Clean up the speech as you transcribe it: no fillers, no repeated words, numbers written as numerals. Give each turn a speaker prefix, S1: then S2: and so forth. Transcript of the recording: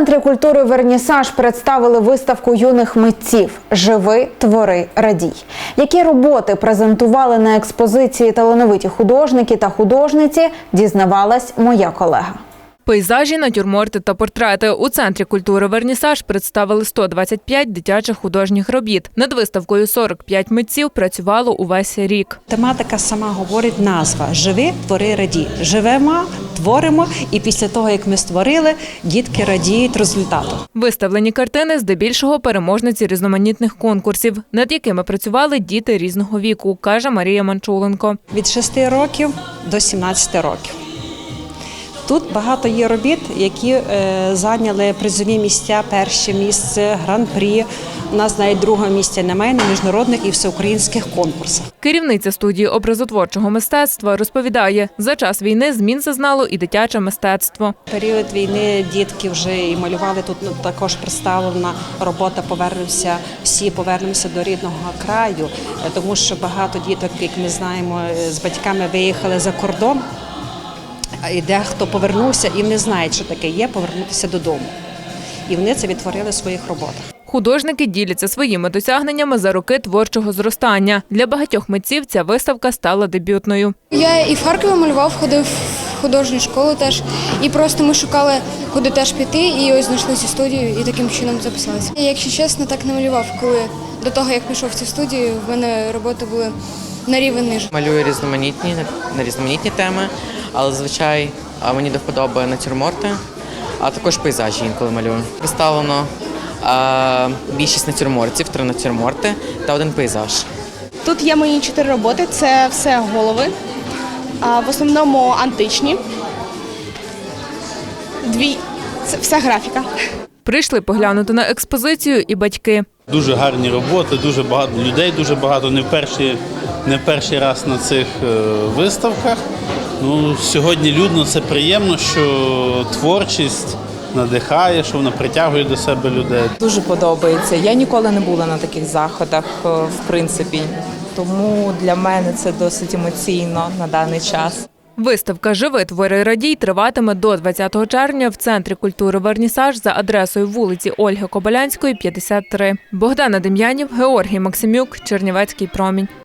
S1: Центрі культури «Вернісаж» представили виставку юних митців «Живи, твори, радій». Які роботи презентували на експозиції талановиті художники та художниці, дізнавалась моя колега.
S2: Пейзажі, натюрморти та портрети. У Центрі культури «Вернісаж» представили 125 дитячих художніх робіт. Над виставкою 45 митців працювало увесь рік.
S3: Тематика сама говорить назва «Живи, твори, радій». Живемо, творимо, і після того, як ми створили, дітки радіють результату.
S2: Виставлені картини здебільшого переможниці різноманітних конкурсів, над якими працювали діти різного віку, каже Марія Манчуленко.
S3: Від 6 років до 17 років. Тут багато є робіт, які зайняли призові місця, перше місце, гран-прі. У нас навіть другого місця немає на міжнародних і всеукраїнських конкурсах.
S2: Керівниця студії образотворчого мистецтва розповідає, за час війни змін зазнало і дитяче мистецтво.
S3: В період війни дітки вже і малювали, тут також представлена робота «Повернемося, всі повернемося до рідного краю», тому що багато діток, як ми знаємо, з батьками виїхали за кордон. І дехто повернувся і не знають, що таке є повернутися додому. І вони це відтворили в своїх роботах.
S2: Художники діляться своїми досягненнями за роки творчого зростання. Для багатьох митців ця виставка стала дебютною.
S4: Я і в Харкові малював, ходив в художню школу теж. І просто ми шукали, куди теж піти, і ось знайшли цю студію і таким чином записалися. Я, якщо чесно, так не малював, коли до того, як пішов в цю студію, в мене роботи були на рівень ниже.
S5: Малюю на різноманітні теми, але зазвичай мені до вподоби натюрморти, а також пейзажі інколи малюю. Представлено більшість натюрмортів, 3 натюрморти та 1 пейзаж.
S6: Тут є мої 4 роботи, це все голови, в основному античні, 2 – це вся графіка.
S2: Прийшли поглянути на експозицію і батьки.
S7: Дуже гарні роботи, дуже багато людей, дуже багато, не перший раз на цих виставках. Сьогодні людно, це приємно, що творчість надихає, що вона притягує до себе людей.
S8: Дуже подобається. Я ніколи не була на таких заходах, в принципі, тому для мене це досить емоційно на даний час.
S2: Виставка «Живи, твори, радій» триватиме до 20 червня в Центрі культури «Вернісаж» за адресою вулиці Ольги Кобилянської, 53. Богдана Дем'янів, Георгій Максимюк, Чернівецький промінь.